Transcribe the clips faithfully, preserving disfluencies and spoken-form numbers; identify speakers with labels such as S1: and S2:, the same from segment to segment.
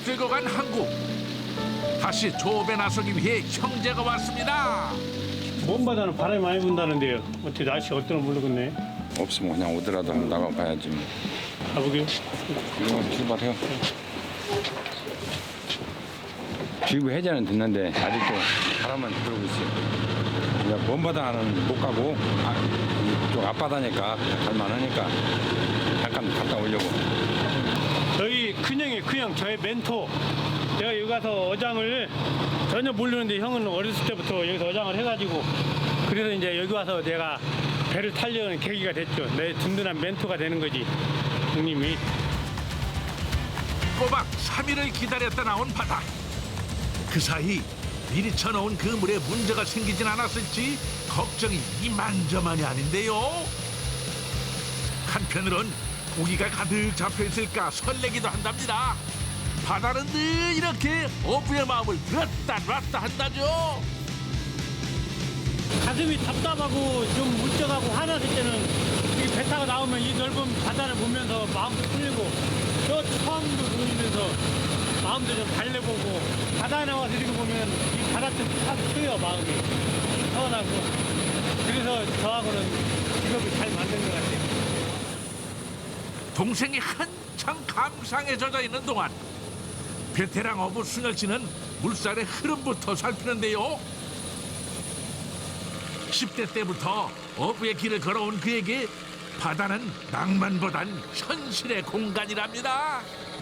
S1: 왜곡되고 간 항구. 다시 조업에 나서기 위해 형제가 왔습니다.
S2: 먼 바다는 바람이 많이 분다는데요. 어떻게 날씨가 어떠나 모르겠네.
S3: 없으면 그냥 오더라도 한번 나가봐야지. 뭐.
S2: 가보게요.
S3: 이거 출발해요. 주의보 해제는 됐는데 아직도 바람만 들어오고 있어요. 그냥 먼 바다는 못 가고 아, 이쪽 앞바다니까 갈만하니까 잠깐 갔다 오려고.
S2: 저희 큰형이 큰형 저의 멘토. 제가 여기 가서 어장을 전혀 모르는데 형은 어렸을 때부터 여기서 어장을 해가지고 그래서 이제 여기 와서 내가 배를 타려는 계기가 됐죠. 내 든든한 멘토가 되는 거지, 형님이.
S1: 꼬박 삼 일을 기다렸다 나온 바다. 그 사이 미리 쳐놓은 그 물에 문제가 생기진 않았을지 걱정이 이만저만이 아닌데요. 한편으론 고기가 가득 잡혀있을까 설레기도 한답니다. 바다는 늘 이렇게 어부의 마음을 들었다 놨다 한다죠.
S2: 가슴이 답답하고 좀 울적하고 화났을 때는 이 배 타고 나오면 이 넓은 바다를 보면서 마음도 풀리고 저 처음도 보이면서 마음도 좀 달래보고 바다에 나와서 이렇게 보면 이 바다 좀탁 트여 마음이 서운하고 그래서 저하고는 직업이 잘 맞는 것 같아요.
S1: 동생이 한창 감상에 젖어 있는 동안 베테랑 어부 순열 씨는 물살의 흐름부터 살피는데요. 십 대 때부터 어부의 길을 걸어온 그에게 바다는 낭만보단 현실의 공간이랍니다.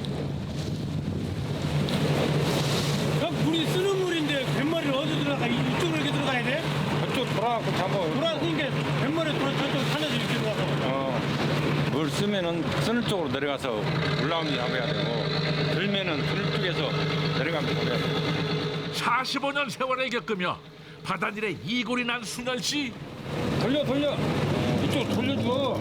S2: 형 물이 쓰는 물인데 뱃머리를 어디 들어가? 이쪽으로 이렇게 들어가야 돼?
S3: 저쪽 돌아가고 잡아.
S2: 돌아서니까 뱃머리 돌아 저쪽 산에서 이렇게 들어가서.
S3: 어, 물 쓰면은 쓰는 쪽으로 내려가서 올라오면 잡아야 되고 들면은 들 쪽에서 내려가면 잡아야 되고.
S1: 사십오 년 세월을 겪으며 바다일에 이골이 난 순열 씨.
S3: 돌려 돌려 이쪽 돌려줘.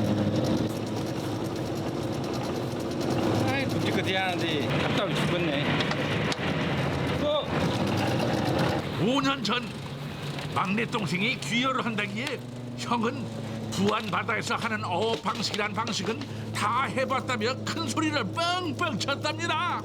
S3: 아이 끔찍하지 않은데 답답해 죽겠네. 또
S1: 오 년 전 막내 동생이 귀여를 한다기에 형은 부안 바다에서 하는 어업 방식이란 방식은 다 해봤다며 큰 소리를 뻥뻥 쳤답니다.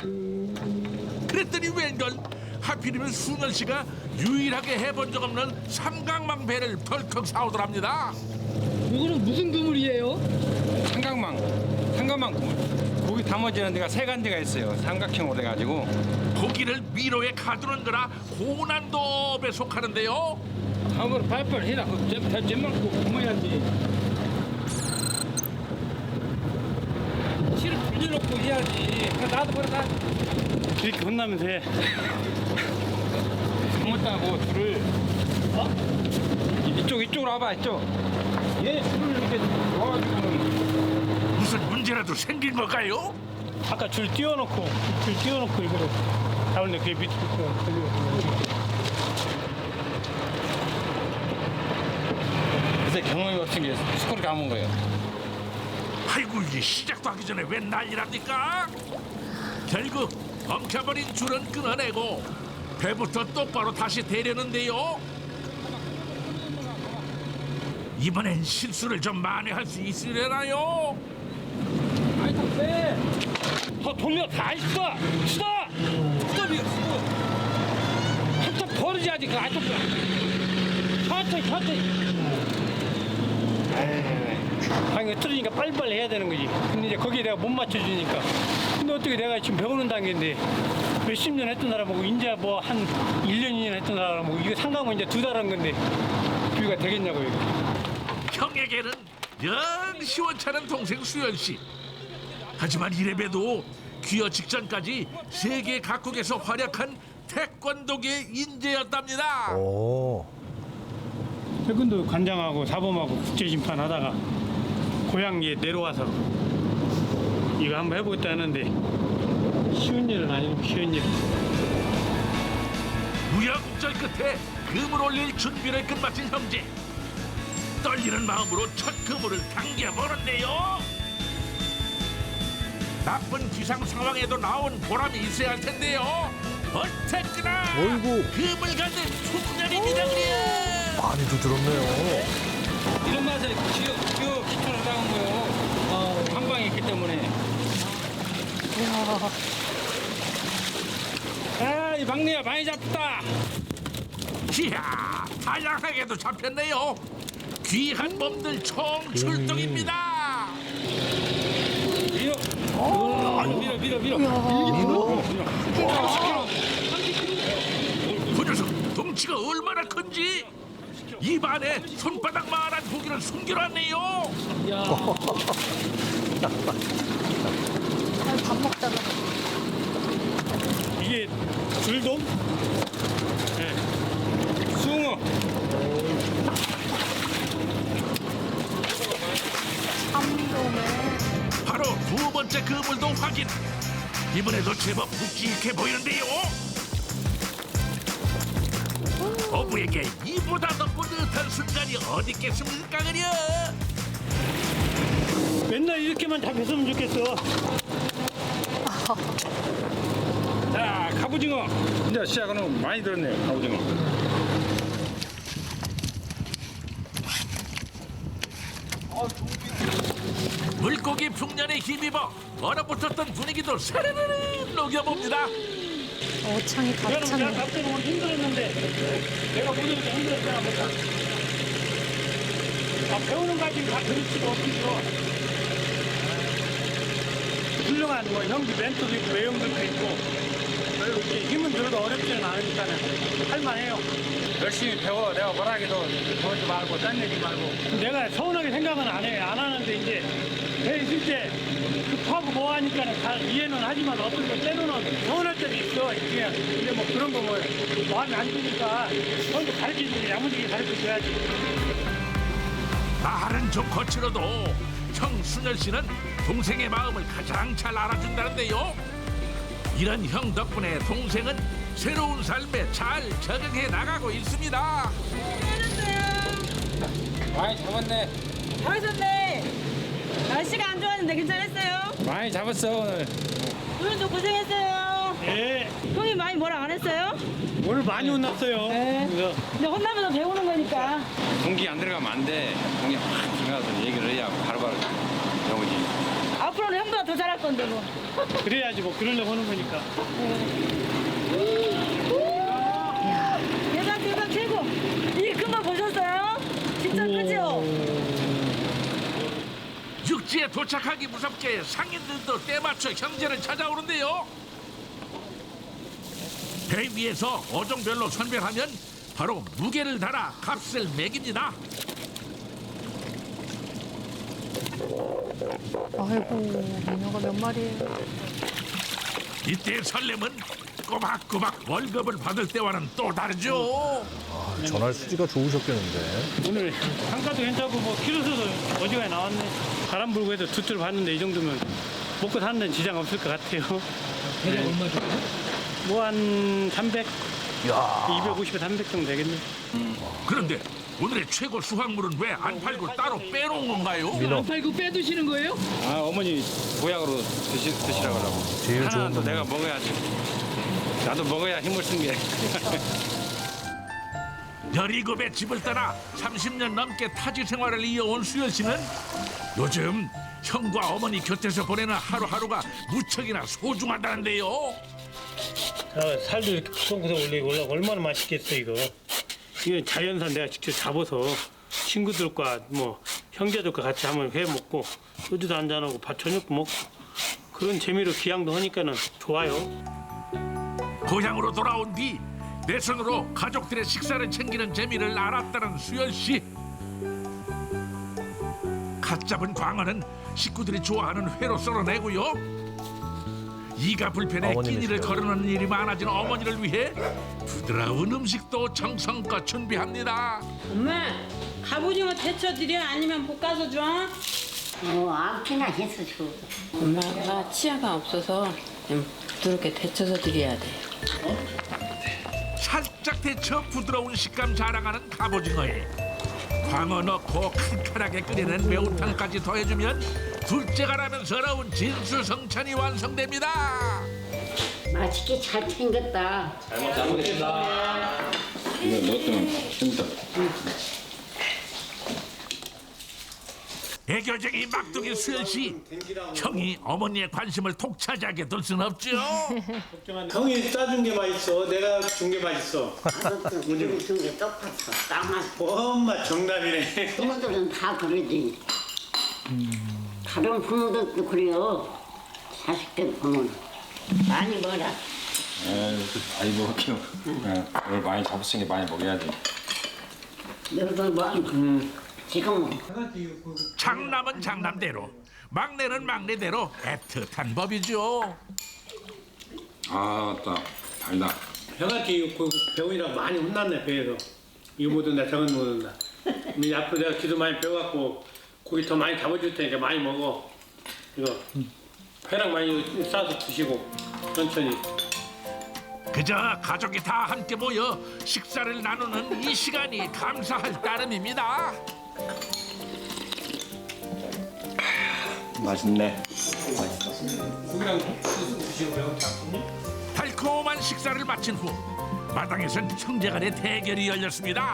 S1: 그랬더니 웬걸 하필이면 순열 씨가 유일하게 해본 적 없는 삼각망 배를 덜컥 사오더랍니다.
S4: 이거는 무슨 그물이에요?
S3: 삼각망 삼각망 그물. 고기 담아지는 데가 세 간데가 있어요. 삼각형으로 돼가지고
S1: 고기를 미로에 가두는 거라 고난도업에 속하는데요.
S3: 한번 발발 해라. 잼만 꼭 구멍해야지. 실을 돌려놓고 해야지. 나도 그래 나.
S2: 이렇게 혼나면서 해.
S3: 잘못다고 줄을. 어? 이쪽 이쪽으로 와봐 이쪽. 얘 줄을 이렇게 놓아가지고.
S1: 무슨 문제라도 생긴 걸까요?
S2: 아까 줄 띄워놓고 줄 띄워놓고 이거를 잡는데 그게 밑으로 걸리고.
S3: 그래서 경험이 없은 게 스코를 감은 거예요.
S1: 아이고 이게 시작도 하기 전에 웬 난리랍니까? 결국 엉켜버린 줄은 끊어내고 배부터 똑바로 다시 대려는데요. 이번엔 실수를 좀 만회할 수 있으려나요?
S3: 아이 다 빼.
S2: 더 돌려 다 있어. 수다.
S3: 스톱이 스톱.
S2: 한참 버리지 그 아직 천천히 천천히. 방이 틀으니까 빨리빨리 해야 되는 거지. 근데 이제 거기에 내가 못 맞춰주니까. 근데 어떻게 내가 지금 배우는 단계인데 몇십 년 했던 사람하고 이제 뭐 한 일 년, 이 년 했던 사람하고 이거 상관은 이제 두 달 한 건데 비교가 되겠냐고요.
S1: 형에게는 영 시원찮은 동생 수연 씨. 하지만 이래봬도 귀화 직전까지 세계 각국에서 활약한 태권도계 인재였답니다.
S5: 오.
S2: 태권도 관장하고 사범하고 국제심판 하다가 고향에 내려와서 이거 한번 해보겠다 하는데 쉬운 일은 아니고 쉬운 일.
S1: 우여곡절 끝에 금을 올릴 준비를 끝마친 형제. 떨리는 마음으로 첫 그물을 당겨보는데요. 나쁜 기상 상황에도 나온 보람이 있어야 할 텐데요. 어쨌거나
S5: 어이구.
S1: 금을 갖는 숙련입니다 그래요.
S5: 많이도 들었네요.
S3: 이런 맛에 기어 기어 기초를 나온 거요. 한 방에 있기 때문에. 아이 막내야 많이 잡다.
S1: 이야, 다양하게도 잡혔네요. 귀한 몸들 총 출동입니다.
S3: 밀어. 밀어 밀어 밀어. 밀어.
S1: 그 녀석 덩치가 얼마나 큰지 입 안에 손바닥만한 고기를 숨겨놨네요.
S6: 밥 먹다가
S2: 이게 줄돔?
S3: 숭어.
S6: 삼돔에
S1: 바로 두 번째 그물도 확인. 이번에도 제법 묵직해 보이는데요. 어부에게 이보다 더 뿌듯한 순간이 어디 있겠습니까 그려.
S2: 맨날 이렇게만 잡혔으면 좋겠어.
S3: 자 갑오징어. 이제 시작은 많이 들었네요 갑오징어.
S1: 물고기 풍년에 힘입어 얼어붙었던 분위기도 사르르르 녹여봅니다.
S6: 어창이
S2: 여러분 내가
S6: 가득
S2: 갑자기 오늘 힘들었는데 내가 오늘 이렇게 힘들었잖아. 보다. 아, 배우는 가지고 다 그렇지도 없겠어. 훌륭한 뭐 형기 멘토도 있고 외형들도 있고 이렇게 힘은 들어도 어렵지는 않으니까 할만해요.
S3: 열심히 배워. 내가 뭐라 해도 그러지 말고 딴 얘기 말고.
S2: 내가 서운하게 생각은 안 해. 안 하는데 이제 배 있을 때 급하고 뭐 하니까 다 이해는 하지만 어떤 거 때로는 서운할 때도 있어. 이게 근데 뭐 그런 거 뭐 마음에 안 드니까 형도 가르쳐주고 야무지게 가르쳐줘야지.
S1: 말은 좀 거칠어도 형 순열 씨는 동생의 마음을 가장 잘 알아준다는데요. 이런 형 덕분에 동생은 새로운 삶에 잘 적응해 나가고 있습니다.
S3: 많이 잡았네.
S7: 잘하셨네. 날씨가 안 좋았는데 괜찮았어요?
S3: 많이 잡았어 오늘.
S7: 오늘도 고생했어요.
S2: 네.
S7: 형이 많이 뭐라 안 했어요?
S2: 오늘 많이 혼났어요.
S7: 네.
S2: 그래서
S7: 근데 혼나면서 배우는 거니까.
S3: 공기 안 들어가면 안 돼. 공기 확 들어가서 얘기를 해야 바로바로 배우지.
S7: 앞으로는 형보다 더 잘할 건데 뭐.
S2: 그래야지 뭐 그러려고 하는 거니까.
S7: 대박 대박 최고. 이게 금방 보셨어요? 진짜 크죠?
S1: 육지에 도착하기 무섭게 상인들도 때맞춰 형제를 찾아오는데요. 배 위에서 어종별로 선별하면 바로 무게를 달아 값을 매깁니다.
S6: 아이고 민어가 몇 마리예요?
S1: 이때 설렘은 꼬박꼬박 월급을 받을 때와는 또 다르죠.
S5: 아, 전할 수지가 좋으셨겠는데.
S2: 오늘 한가도 괜찮고 뭐 키로수도 어지간히 나왔네. 바람 불고 해도 두줄 봤는데 이 정도면 먹고 사는 데는 지장 없을 것 같아요. 대략 얼마 정도? 뭐 한 삼백?
S5: 야,
S2: 이백오십에 삼백 정도 되겠네.
S1: 그런데 오늘의 최고 수확물은 왜 안 팔고 따로 빼놓은 건가요?
S4: 안 팔고 빼두시는 거예요?
S3: 아 어머니 보약으로 드시, 드시라고 하라고.
S5: 제일
S3: 하나
S5: 좋은
S3: 또
S5: 거.
S3: 내가 먹어야지. 나도 먹어야 힘을 쓴 게.
S1: 열일곱의 집을 떠나 삼십 년 넘게 타지 생활을 이어온 수열 씨는 요즘 형과 어머니 곁에서 보내는 하루하루가 무척이나 소중하다는데요.
S2: 아, 살도 이렇게 구성구성 올리고 올라가 얼마나 맛있겠어 이거. 이건 자연산 내가 직접 잡아서 친구들과 뭐 형제들과 같이 한번 회 먹고 소주도 한잔하고 밥 저녁도 먹고 그런 재미로 기양도 하니까는 좋아요.
S1: 고향으로 돌아온 뒤 내 손으로 가족들의 식사를 챙기는 재미를 알았다는 수열 씨. 갓 잡은 광어는 식구들이 좋아하는 회로 썰어내고요. 이가 불편해
S5: 어머님이시죠.
S1: 끼니를 거르는 일이 많아진 어머니를 위해 부드러운 음식도 정성껏 준비합니다.
S7: 엄마 갑오징어 데쳐드려 아니면 볶아서 줘?
S8: 어, 아무렇게나 해서 줘.
S9: 엄마가 치아가 없어서 좀 부드럽게 데쳐서 드려야 돼.
S1: 살짝 데쳐 부드러운 식감 자랑하는 갑오징어에 광어 넣고 칼칼하게 끓이는 매운탕까지 더해주면 둘째가라면서러운 진수성찬이 완성됩니다.
S8: 맛있게 잘 챙겼다.
S3: 이거 넣었더니 힘들어.
S1: 애교쟁이 막둥이 수현 씨, 형이 어머니의 관심을 독차지하게 둘 순 없죠.
S2: 형이 싸준 게 맛있어. 내가 준 게 맛있어.
S8: 우리 중에 똑같아. 딱 맞고.
S2: 엄마 정답이네.
S8: 부모들은 다 그러지. 다른 부모들도 그래요. 자식들 보면 많이 먹어라.
S3: 에이, 많이 먹을게요. 예, 오늘 많이 잡았으니 많이 먹어야지.
S8: 너희들 뭐 지금
S1: 장남은 장남대로, 막내는 막내대로 애틋한 법이죠.
S3: 아, 따 달다.
S2: 형한테 그 병이랑 많이 혼났네 배에서. 이거 못 온다 저건 못 온다. 근데 앞으로 내가 기도 많이 배워갖고 고기 더 많이 잡아줄 테니까 많이 먹어. 이거 회랑 많이 싸서 드시고 천천히.
S1: 그저 가족이 다 함께 모여 식사를 나누는 이 시간이 감사할 따름입니다.
S5: 맛있네.
S2: 고기랑 드시고 매운 짬뽕이?
S1: 달콤한 식사를 마친 후 마당에선 형제간의 대결이 열렸습니다.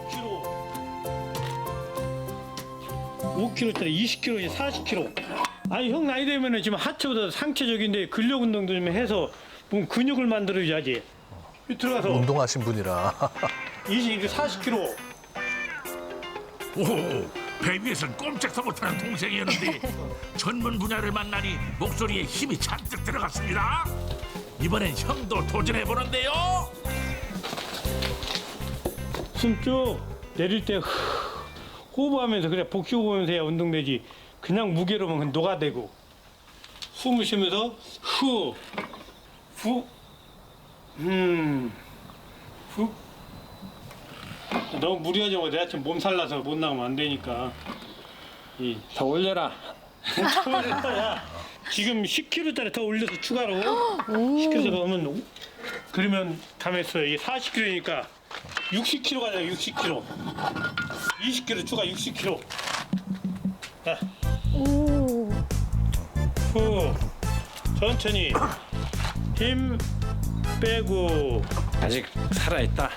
S2: 오 킬로짜리 이십 킬로에 사십 킬로. 아니 형 나이 되면은 지금 하체보다 상체적인데 근력 운동도 좀 해서 몸 근육을 만들어야지. 들어가서
S5: 운동하신 분이라.
S2: 이십, 사십 킬로.
S1: 오, 배 위에선 꼼짝도 못하는 동생이었는데 전문 분야를 만나니 목소리에 힘이 잔뜩 들어갔습니다. 이번엔 형도 도전해보는데요.
S2: 숨 쭉 내릴 때 호흡하면서 그래 복식 호흡하면서 해야 운동되지. 그냥 무게로만 그냥 녹아대고 숨을 쉬면서 후, 후, 음, 후. 너무 무리하지 마. 내가 지금 몸살 나서 못 나가면 안 되니까. 이,
S3: 더 올려라.
S2: 더 올려야. 지금 십 킬로짜리 더 올려서 추가로 십 킬로 넣으면 그러면 가면서 이 사십 킬로니까 육십 킬로 가자. 육십 킬로. 이십 킬로 추가 육십 킬로. 자.
S6: 오.
S2: 후. 천천히. 힘 빼고.
S3: 아직 살아있다.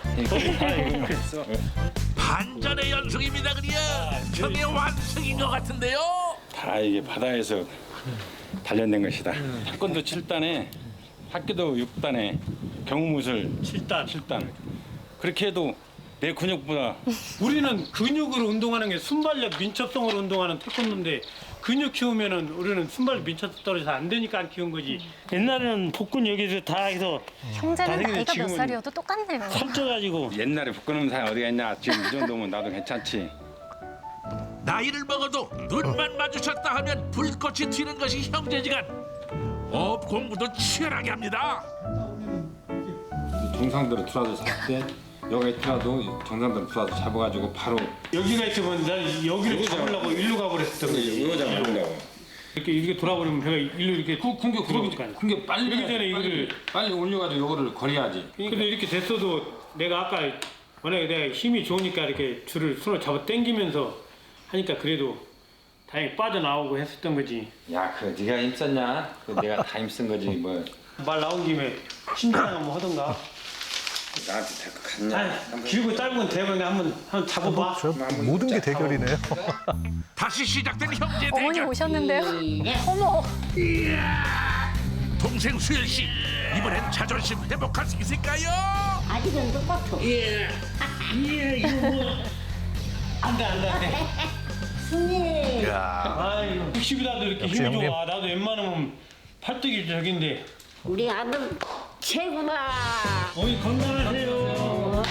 S1: 반전의 연속입니다. 그려 형의 완성인 것 같은데요.
S3: 다 이게 바다에서 단련된 것이다. 태권도 칠 단에, 학교도 육 단에, 경무술
S2: 칠 단.
S3: 칠 단. 그렇게 해도 내 근육보다
S2: 우리는 근육으로 운동하는 게 순발력 민첩성으로 운동하는 태권도인데 근육 키우면은 우리는 순발력 민첩성 떨어져서 안 되니까 안 키운 거지. 옛날에는 복근 여기서 다 해서
S6: 형제는
S2: 나중에
S6: 나이가 몇
S2: 지금은
S6: 살이어도 똑같네요.
S2: 살쪄가지고
S3: 옛날에 부끄러운 사람 어디가 있냐. 지금 이 정도면 나도 괜찮지.
S1: 나이를 먹어도 눈만 마주쳤다 하면 불꽃이 튀는 것이 형제지간 업 공부도 치열하게 합니다.
S3: 정상대로 들어와서 잡되 여기 들어와도 정상대로 들어와서 잡아가지고 바로
S2: 여기가 있으면 나 여기를
S3: 여기
S2: 잡으려고 일로 가버렸었던 거지.
S3: 이거 잡으려고.
S2: 이렇게 이렇게 돌아버리면 배가 일로 이렇게
S3: 공격
S2: 그러니까.
S3: 공격 빨리
S2: 그러기 전에 이거를
S3: 빨리 올려가지고 요거를 거려야지.
S2: 근데 이렇게 됐어도 내가 아까 만약에 내가 힘이 좋으니까 이렇게 줄을 손을 잡아 당기면서 하니까 그래도 다행히 빠져나오고 했었던 거지.
S3: 야, 그 네가 힘썼냐? 그 내가 다 힘쓴 거지 뭐.
S2: 말 나온 김에 신장 한번 하던가.
S3: 나한테 될 것 같냐?
S2: 아니, 길고 짧은 대본에 한번 한번 잡아봐.
S5: 저 모든 게 대결이네요.
S1: 다시 시작된 형제
S6: 어머니
S1: 대결.
S6: 오셨는데요. 어머.
S1: 동생 수현 씨 이번엔 자존심 회복할 수 있을까요?
S8: 아직은 똑같아.
S2: 안돼 안돼 안돼.
S8: 승리.
S2: 아이고 육십이라도 이렇게
S5: 역시
S2: 힘이
S5: 형님.
S2: 좋아. 나도 웬만하면 팔뚝이 저긴데.
S8: 우리 아들 최고다.
S2: 어머니 건강하세요.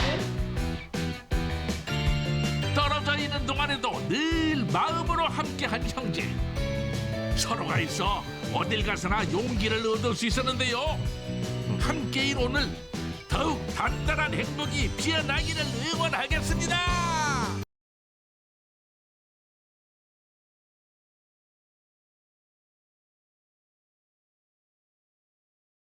S1: 떨어져 있는 동안에도 늘 마음으로 함께한 형제. 서로가 있어 어딜 가서나 용기를 얻을 수 있었는데요. 함께인 오늘 더욱 단단한 행복이 피어나기를 응원하겠습니다.